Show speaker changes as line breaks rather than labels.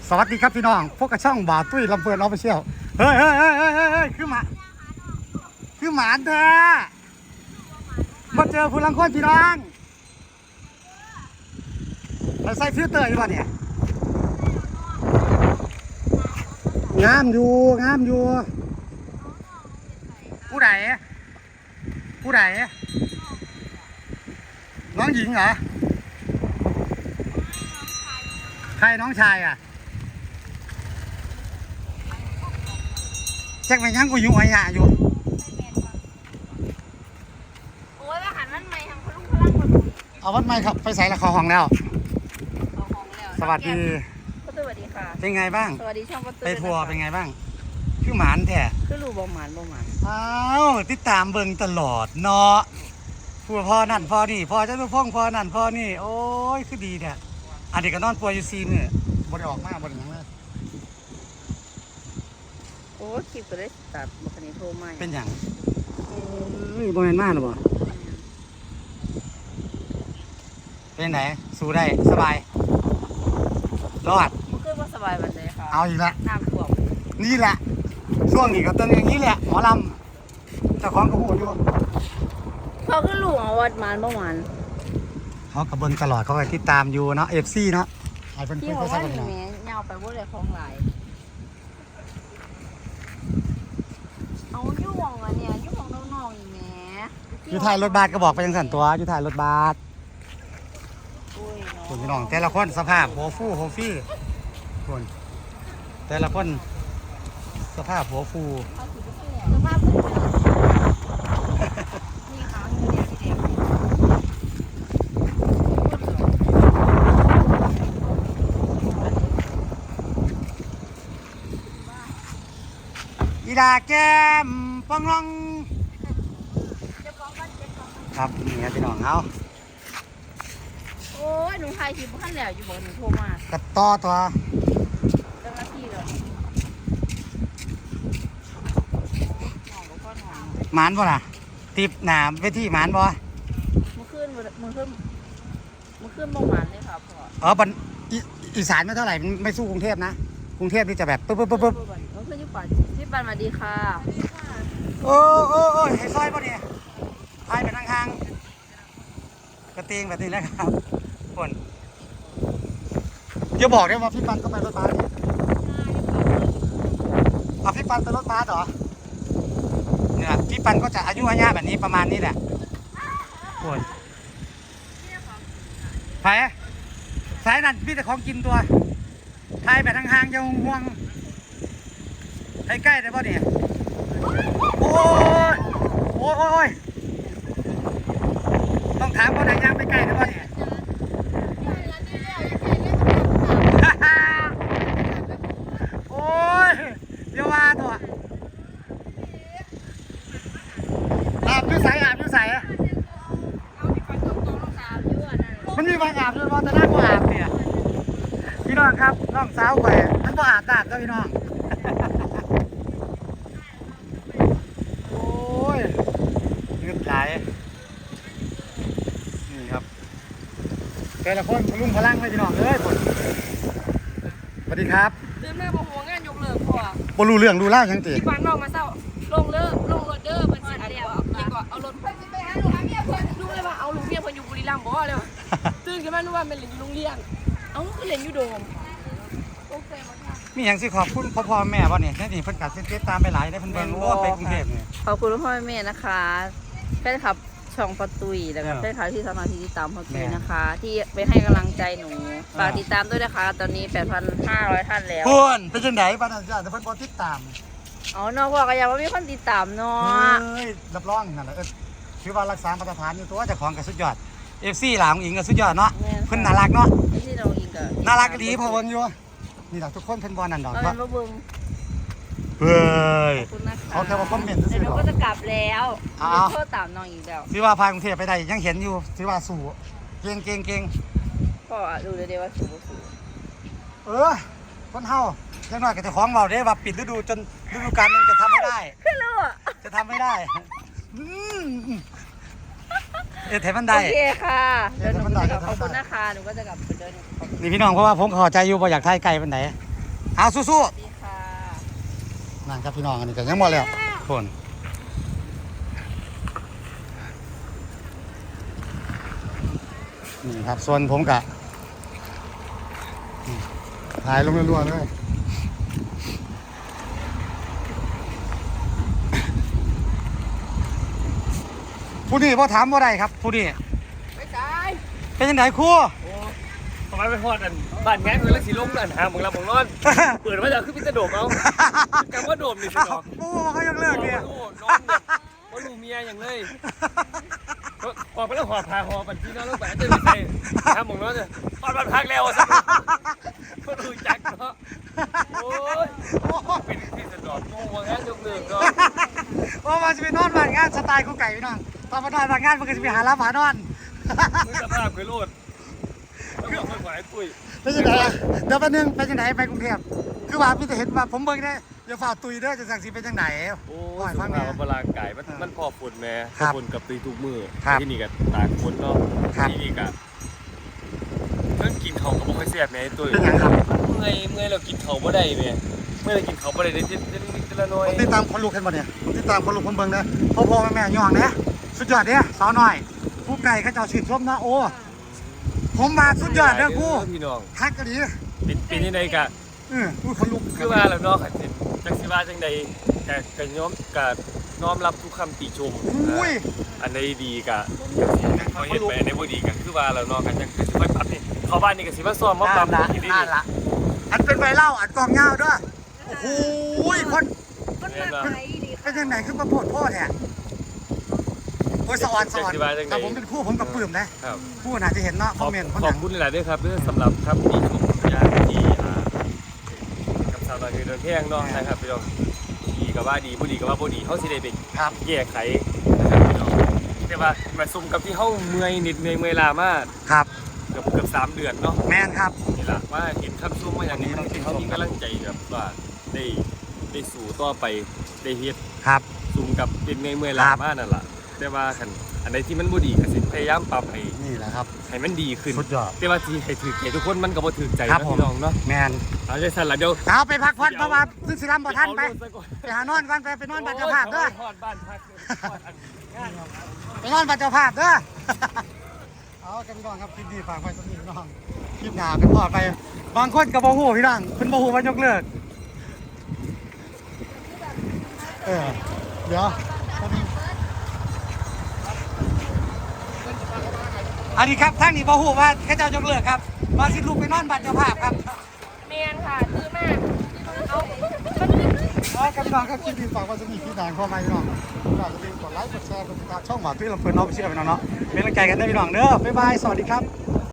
สวัสดีครับพี่น้องพวกกระช่องบ่าวตุ้ยลำเพลินออฟฟิเชียลเฮ้ยคือหมาแท้มาเจอผู้ลังคนพี่น้องเราใส่ฟิลเตอร์อยู่ป่ะเนี่ยงามอยู่ผู้ใดน้องหญิงเหรอใครน้องชายอ่ะแจ็คไปยังกูอยู่ไอ้ยะอยู่
โอ้ยว่าหันมันใหม่ทำพลุงพลังคน
เอาวัดไม่ครับไปใส่ละครห้องแล้วสวัสดี
ประตูสวัสดีค่ะ
เป็นไงบ้าง
สวัสดีช่องประตู
ไปทัวร์เป็นไงบ้างคือหมานแท้
คือรูบ่หมาน
อ้าวติดตามเบิ่งตลอดเนาะพ่อนั่นพ่อนี่พ่อเจ้าลูกพ่องพ่อนั่นพ่อนี่โอ้ยคือดีเนี่ยอันนี้ก็นอนป่วยอยู่ซีนเนี่ยบ่ได้ออกมาบ่ได้หยังเลย
โอ้คลิปก็ได้ตัดบุคคลโทรมา
เป็นอย่างบ่แม่นมากหรอบ่เป็นไหนสู้ได้สบายรอด
มันคือว่าสบายวันเลยค่ะ
เอาอีกละ
น้ำท่วม
นี่แหละช่วงนี้ก็เป็นอย่างนี้แหละหมอลำเจ้าของก็พูดอยู่
เขาคือลูกเอาวัดหมานบ่หมาน
เขากระเบิงตลอดเขาไปติดตามอยู่เนาะ FC เนาะให้เพิ่น
ที่เขาว่าอย่างนี้เงาไปบ่ได้ของหลายเอาอยู่วงอ่ะเนี่ยอยู่วงน้องๆอีแหม
อยู่ถ่ายรถบัสก็บอกไปจังซั่นตัวอยู่ถ่ายรถบัสคนพี่น้องแต่ละคนสภาพหัวฟูหัวฟี่คนแต่ละคนสภาพหัวฟู
สภาพนี่ค่ะเนี่ยสีแดง
อีดาแก้มป้องร้องครับนี่ครับพี่น้องเอา
โอ้ยหนูถ่ายคลิปขั้นแล้วอยู่บอกหนูโทรมาก
ระต่อตัว
เจ้าหน้าที่เลย
หมานบ่ล่ะติบหนามเวทีหมานบ่
มือขึ้นบ่หมานเลยค่ะพ่อ
บันอีสานไม่เท่าไหร่ไม่สู้กรุงเทพนะกรุงเทพนี่จะแบบปึ๊บ
มือขึ้นอยู่ป่าที่บ้านมาดีค่ะ
โอ้ให้ซอยป่ะเนี่ยพายไปทางกระเตงแบบนี้นะครับคนอย่าบอกได้ว่าพี่ปันก็ไปรถบัสเอาพี่ปันไปรถบัสเหรอเนี่ยพี่ปันก็จะอายุอายุแบบนี้ประมาณนี้แหละคนไปสายนั่นพี่แต่ของกินตัวพายไปทางจะห่วงให้ใกล้ได้ป่ะเนี่ยโอ้ยต้องถามว่าไหนย่างไปใกล้ได้ป่ะเนี่ยโอ้ยเดี๋ยวว่าตัวอาบอยู่ใส่มันมีบางอาบด้วยว่าแต่หน้าก็อาบเนี่ยพี่น้องครับน้องสาวไปมันก็อาบน้ำก็พี่น้องโอ้ยเงือกไหลนี่ครับแต่ละคนพลุ่งพลังเลยพี่น้องคนสวัสดีครับ
เดินหน้าหัวงานยกเลิกพ่
อบรู้เรื่องดูเล่ายังตี
ที่บ้านนอกมาเศร้าลงรถเด้อเพิ่นสิอะไรยังก็เอารถไปหาลูกเมียเพิ่นลูกเลยว่าเอาลูกเมียเพิ่นอยู่บุรีรัมย์บ่เลยตื่นขึ้นมานึกว่าเป็นเล่นอยู่โรงเรียนเอ้าคือเล่นอยู่โดมโอเคมั้ย
มีอย่างสิขอบคุณพ่อแม่บ่เนี่ยนี่เพิ่นกัดเส้นตามไปหลายได้เพิ่นเบิ่งว่าไปกรุงเทพเนี่ย
ขอบคุณพ่อแม่นะคะแฟนคลับช่องประตุยแล้วก็แฟนคลับที่สามารถที่ติดตามประตุยนะคะที่ไปให้กำลังใจหนูฝากติดตามด้วยนะคะตอนนี้ 8,500 ท่านแล้ว
คุณเป็นจังได๋บ้านอาจารย์เพิ่นบ่ติดตาม
อ๋อน้องบอกก็ยังว่ามีคนติดตามเนาะ
รับรองนั่นแหละถือว่ารักษามาตรฐานอยู่ตัวเจ้าของก็สุดยอด FC หลานอิงก็สุดยอดเนาะเพิ่นน่ารักเนาะ
ที่น้องอิงก็
น่ารักดีพอเบิ่งอยู่นี่ล่ะทุกคนเพิ่นบ่นั่นดอก
ว่าบ่เบิ่ง
เฮ้ย
เขา
แค่ว่าคอมเมนต์ซื่อๆ
ก็จะกลับแล้วโทษตามน้องอีกแล้ว
สิว่าพากรุงเทพไปได้ยังเห็นอยู่สิว่าสู้เก่ง
ก็ดูเดี๋ยวว่าสู้
คนเฮาจังน้อยก็เจ้าของเว้าเด้ว่าปิดฤดูจนฤดูกาลนึงจะทำไม่ได้
คือรู้อ่ะ
จะทำไม่ได้เทมันได้
โอเคค่ะเดี๋ยวหนูจะกลับขอบคุณนะคะหนูก็จะกลับไปเดิน
นี่พี่น้องเพราะว่าผมเข้าใจอยู่ว่าอยากถ่ายไกลเป็นไหนเอาสู้
ดีค่ะ
ๆนั่นครับพี่น้องอันนี้ก็ยังหมดแล้วคนนี่ครับส่วนผมกะถ่ายลงรัวๆเลยผู้นี้พอถามว่าไรครับผู้นี้
ไม่ใช่
เป็นยังไงครู
โอ้ทำไมไปพอดอันบ้านแง่นเลยแล้วสีลงอันหาหมึงละหมึงนอน เปิดมาจากขึ้นพิจโดมเอาจำว่าโดมนี่สิน้อง
โอ้เขายังเลิกเนี่ย
โอ้น้องเนี่ยว่าลูกเมียอย่างเลยออกไปแล้วหอบพาหอบันที่น้องต้องไปจะไม่ใช่หาหมึงนอนเลยตอนบ้านพักแล้วสิก็ดูจักเนาะโอ้ยเป็นที่สะดอกงงว่างั้นยกเลิกเนาะ
ว่ามาจะไปนอนบ้านงานสไตล์คู่ไก่พี่น้องตอนมานอนบ้านงานมันก็จะไปหาร้านหมานอน
มึงสภาพเคยโลดต้องบอกคนหวายปุ้ย
เป็นยังไงอะเดี๋ยวแป๊บนึงเป็นยังไงไปกรุงเทพคือว่าพี่จะเห็นว่าผมเบิ่งได้อย่าฝ่าตุยเด้อจะสั่งสีเป็นยังไง
โอ้
ปล่อย
สุ
ฟั
ข
งแม่
ภาพพลังกายมันพอฝุ่นแม่
ครับ
ฝุ่นกับตีทุกมือ
ครับ
ที่นี่กับตากฝนเนาะ
ครับ
ที่นี่กับเรื่องกินเขาวกับบ่ค่อยแซ่บแม่ไอ้ตุ้ย
เป็นยังครับ
เมื่อยเรากินเขาวบ่ได้แม่เมื่อยเรากินเขาวบ่ได้เด็ดๆละน้อย
ผมติดตามคนลูกเห็นบ่เนี่ยผมติดตามคนลูกคนเบิ่งเด้อพ่อแม่ย่องเนี่ยสุดยอดเนี่ยสาวน้อยผู้ไก่เขาเจ้าชื่นชมนะโอ้ผมมาสุดยอดเด้อครู
พี่น้อง
ทักกะดี
เป็นยังไงกะ
อุ้ยคนลุก
คือว่าแล้วเนาะสิจังสิว่าจังใดกะย้อมกะน้อมรับทุกคำติชม
อุ้ย
อันใดดีกะพอเห็นไปอันใดบ่ดีกะคือว่าแล้วเนาะกันจังคือสิค่อยปรับนี่เข้าบ้านนี่ก็สิมาซ้อมมาปรับ
ละ
กินนี่
นั่นละอันเป็นไวเล่าอันกองเงาด้วยโอ้โหคน
มันมาไหนดี
เป็นยังไงขึ้นมาโพดโพดเนี่ยโอ้ยสวรรค์แต่ผมเป็นคู่ผมกับปื้มนะครับ คู่น่าจะเห็นเนาะคอมเมนต์คน
ข
นั้
อน บคุณหลายๆด้วยครับเรื่องสำหรับครับที่ชมยานที่กับสาวน้อยเดินแพงเนาะนะครับพี่น้องดีก็ว่าดีบ่ดีก็ว่าบ่ดีเฮาสิได้ไป
ครับ
แก้ไขนะครับพี่น้องแต่ว่ามาซุ่มกับที่เฮาเมื่อยนิดเมื่อยลามาก
ครับ
เกือบ3 เดือนเนาะ
แมนครับ
นี่ล่ะว่าเห็นคำซุ่มมาอย่างนี้ที่เฮามีกำลังใจแบบว่าได้สู่ต่อไปได้เฮ็ด
ครับ
ซุ่มกับเป็นเมื่อยลามากนั่นล่ะแต่ว่าคันอันใดที่มันบ่ดีก็สิพยายามปรับให้
นี่แหละครับ
ให้มันดีขึ้น
สุดยอด
แต่ว่าที่ให้ถือใจทุกคนมันก็บ่ถือใจ
ครับ
นะ
ผม
พี่น้องเนาะ
แมน
เอาใจสั่นละเดี๋ยว
เอาไปพักผ่อนเพราะว่าซึ่งสิรำบ่ทันไปไปหานอนก่อนไปนอนบ้านเจ้าภาพเด้อ
ทอดบ้านพักทอดอันงาน
ไปนอนบ้านเจ้าภาพเด้อ เอากันพี่น้องครับคลิปนี้ฝากไว้สักนิดพี่น้องคลิปหน้าเป็นพอดไปบางคนก็บ่ฮู้พี่น้องเพิ่นบ่ฮู้ว่ายกเลิกเดี๋ยวอันนี้ครับทางนี้บ่ฮู้ว่าเขาเจ้ายกเลิกครับว่าสิลูกไปนอนบ้านเจ้าภาพครับ
เมียนค่ะซื้อมากเอา
ครับพี่น้องครับคลิปนี้ฝากไว้สักนิดพี่น้องเข้ามาพี่น้องฝากอย่าลืมกดไลค์กดแชร์กดติดตามช่องหมาตุ้ยลำเพลินน้องไปเชื่อพี่น้องเนาะเป็นกำลังใจกันได้พี่น้องเด้อบ๊ายบายสวัสดีครับ